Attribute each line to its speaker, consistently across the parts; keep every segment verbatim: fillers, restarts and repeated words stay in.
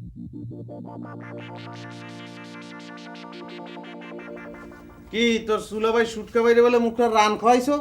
Speaker 1: কি তোর সুলা ভাই সুটকা বাইরে বলে মুখটা রান খাওয়াইছো?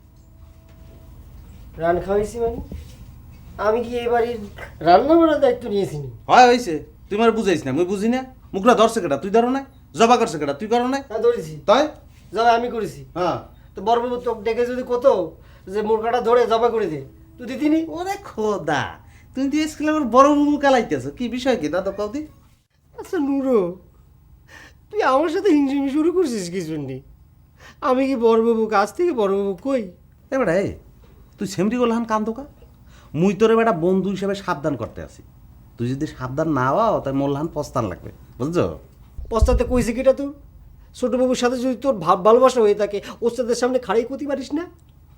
Speaker 2: রান খাওয়াইছি মানে আমি কি এই বাড়ির রান্না বান্নার দায়িত্ব নিয়েছি নি?
Speaker 1: হয় হয়েছে, তুই আমার বুঝাইস না, মুই বুঝি না। মুখটা ধরছে কেটা, তুই ধরো না? জবা করছে কেটা, তুই করো না?
Speaker 2: হ্যাঁ ধরেছি,
Speaker 1: তাই
Speaker 2: জবা আমি করেছি।
Speaker 1: হ্যাঁ,
Speaker 2: তো বড়বাবু তোকে ডেকে যদি কত যে মুরগাটা ধরে জবা করে দে, তুই দিতিনি?
Speaker 1: ওরে খোদা, তুমি তো স্কুলে আমার বড় মুখ কালাইতেছো, কি বিষয় কি দাদা কদি?
Speaker 2: আচ্ছা নুরো, তুই আমার সাথে হিংসিমি শুরু করছিস কি জন্যে? আমি কি বড়বাবু কাছ থেকে বড়বাবু কই?
Speaker 1: এবারে এই তুই সেমরি গোলহান কান্দোকা, মুই তোরে বেটা বন্ধু হিসেবে সাবধান করতে আসি। তুই যদি সাবধান না হও তাই মোল্লাহান পস্তান লাগবে, বুঝছো?
Speaker 2: পস্তাতে কইছে কিটা তুই? ছোটবাবুর সাথে যদি তোর ভাব ভালোবাসা হয়ে থাকে ওস্তাদের সামনে খাড়াই করতে পারিস না?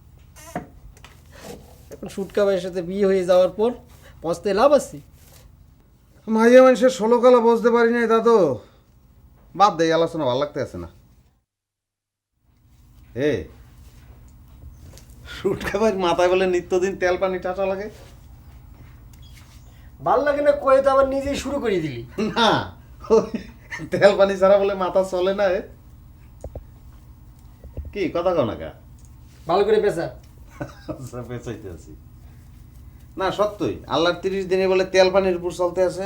Speaker 2: এখন সুটকা ভাইয়ের সাথে বিয়ে হয়ে যাওয়ার পর পস্তায় লাভ আছে?
Speaker 1: মাঝে মানুষের ষোলো কালা বুঝতে পারি নাই দাদু, বাদ দেয়, আলোচনা ভালো লাগতে আছে না। এ শুট খাবার মাথায় বলে নিত্যদিন তেল পানি টাটা লাগে
Speaker 2: ভাল লাগে না কয়ে তো আবার নিজেই শুরু করে দিলি।
Speaker 1: না, ওই তেল পানি ছাড়া বলে মাথা চলে না। এ কি কথা কও না কা?
Speaker 2: ভালো করে পেশা।
Speaker 1: আচ্ছা, পেঁচাইতে আছি না, সত্যই আল্লাহর তিরিশ দিনে বলে তেল পানির উপর চলতে আছে।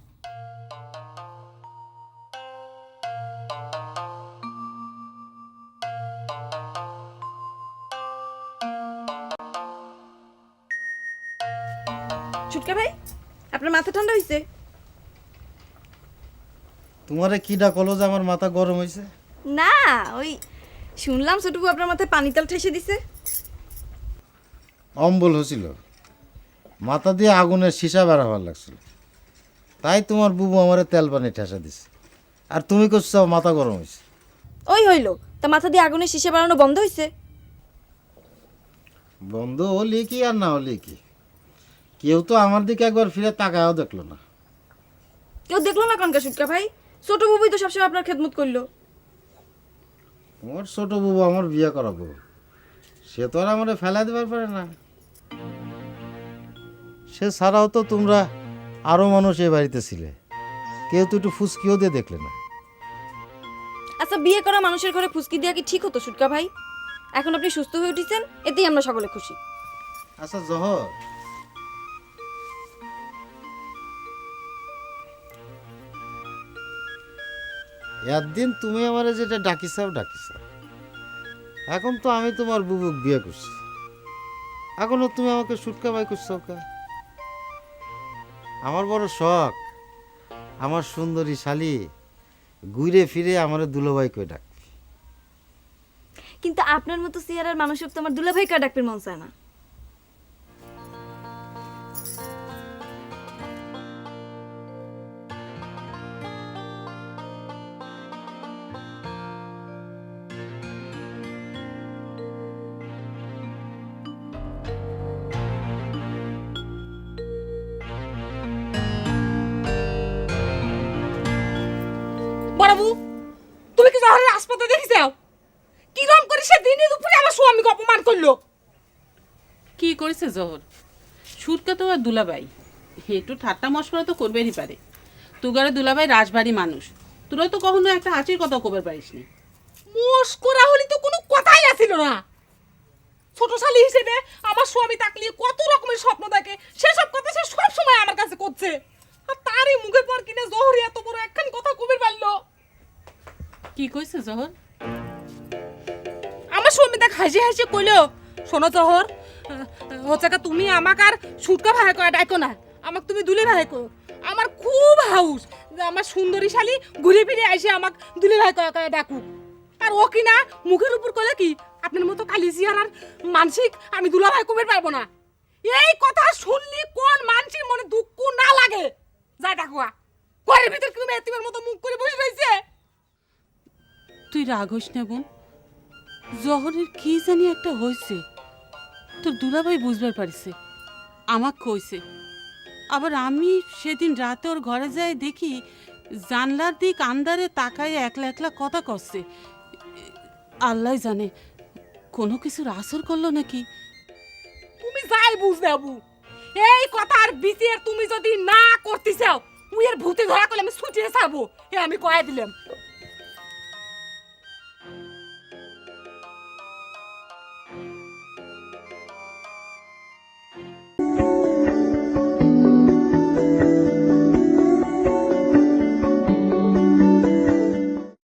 Speaker 3: ছুটকা ভাই, আপনার মাথা ঠান্ডা হয়েছে?
Speaker 4: তোমারে কিডা কলো যে আমার মাথা গরম হয়েছে?
Speaker 3: না, ওই শুনলাম ছোটবু আপনার মাথায় পানি তেল ঠেসে দিছে।
Speaker 4: অম্বল হয়েছিল, মাথা দিয়ে আগুনের সীসা বেড়াবার লাগছিল, তাই তোমার বুবু আমারে তেল পানি ঠেসা দিছে, আর তুমি করছো মাথা গরম হয়েছে।
Speaker 3: ওই হইল, তা মাথা দিয়ে আগুনের শিশা বাড়ানো বন্ধ হয়েছে?
Speaker 4: বন্ধ হলি কি আর না হলি কি, কেউ তো আমার দিকে একবার ফিরে তাকায়ও দেখলো না।
Speaker 3: কেউ দেখলো না কনকা ছুটকা ভাই? ছোট বুবুই তো সবসময় আপনার খেদমত করলো।
Speaker 4: তোমার ছোট বুবু আমার বিয়ে করাবো, সে তো আর আমারে ফেলা দেবার পারে না। সে ছাড়াও তো তোমরা আরো মানুষ এ বাড়িতে ছিলে, কেউ তো একটু ফুসকিও দিয়ে দেখলে না।
Speaker 3: আচ্ছা, বিয়ে করা মানুষের ঘরে ফুসকি দেওয়া কি ঠিক হতো ছুটকা ভাই? এখন আপনি সুস্থ হয়ে উঠেছেন, এতেই আমরা সকলে খুশি।
Speaker 4: আচ্ছা জহর, একদিন তুমি আমারে যেটা ডাকিছাও ডাকিছাও, এখন তো আমি তোমার বুবুক বিয়ে করছি, এখনো তুমি আমাকে সুটকা বাই করছো কা? আমার বড় শখ আমার সুন্দরী শালি ঘুরে ফিরে আমার দুলোবাই কই ডাক।
Speaker 3: কিন্তু আপনার মতো চেহারার মানুষের তো আমার দুলাভাই কা ডাকবে মন চায় না।
Speaker 5: বড়বু, তুমি কি জহরের হাসপাতালে দেখিছাও? কিরম করে সে দিনে দুপুরে আমার স্বামীকে অপমান করলো?
Speaker 6: কি করেছে জহর? সুরকা তো আর দুলাভাই, একটু ঠাট্টা মশকরা তো করবেরই পারে। তুগারে দুলাভাই রাজবাড়ি মানুষ, তোরা তো কখনো একটা হাসির কথা কবার পারিসনি।
Speaker 5: মস্করা হলি তো কোনো কথাই আসিল না। ছোট শালি হিসেবে আমার স্বামী তাকলিয়ে কত রকমের স্বপ্ন দেখে, সেসব কথা সে সব সময় আমার কাছে করছে। আর তারই মুখের পর কিনে জহর এত বড় একখান কথা কবির পারলো।
Speaker 6: কি কইছে জহর?
Speaker 5: আমার স্বামী দেখ হাসি হাসি কইলো, শোনো জহর, হচ্ছে কা তুমি আমাক আর সুটকা ভাই কয় ডাকো না, আমাক তুমি দুলে ভাই কো। আমার খুব হাউস যে আমার সুন্দরী শালি ঘুরে ফিরে এসে আমাক দুলে ভাই কয় কয় ডাকুক। আর ও কি না মুখের উপর কইলে কি আপনার মতো কালিজিয়ার আর মানসিক আমি দুলা ভাই কমের পারবো না। এই কথা শুনলি কোন মানসির মনে দুঃখ না লাগে? যাই ডাকুয়া, ঘরের ভিতর তুমি এতিমের মতো মুখ করে বসে রইছে।
Speaker 6: তুই রাগ হইস না বোন, জহরের কি জানি একটা হয়েছে, তোর দুলাভাই বুঝবার পারিছে, আমাক কইছে। আবার আমি সেদিন রাতে ওর ঘরে যাই দেখি জানলার দিক আন্দারে তাকায় একলা একলা কথা করছে। আল্লাহ জানে কোনো কিছুর আসর করলো নাকি।
Speaker 5: তুমি যাই বুঝ দেবু, এই কথার বিচার তুমি যদি না করতে চাও, তুই এর ভূতি ধরা করলে আমি ছুটিয়ে ছাড়বো এ আমি কয়ে দিলাম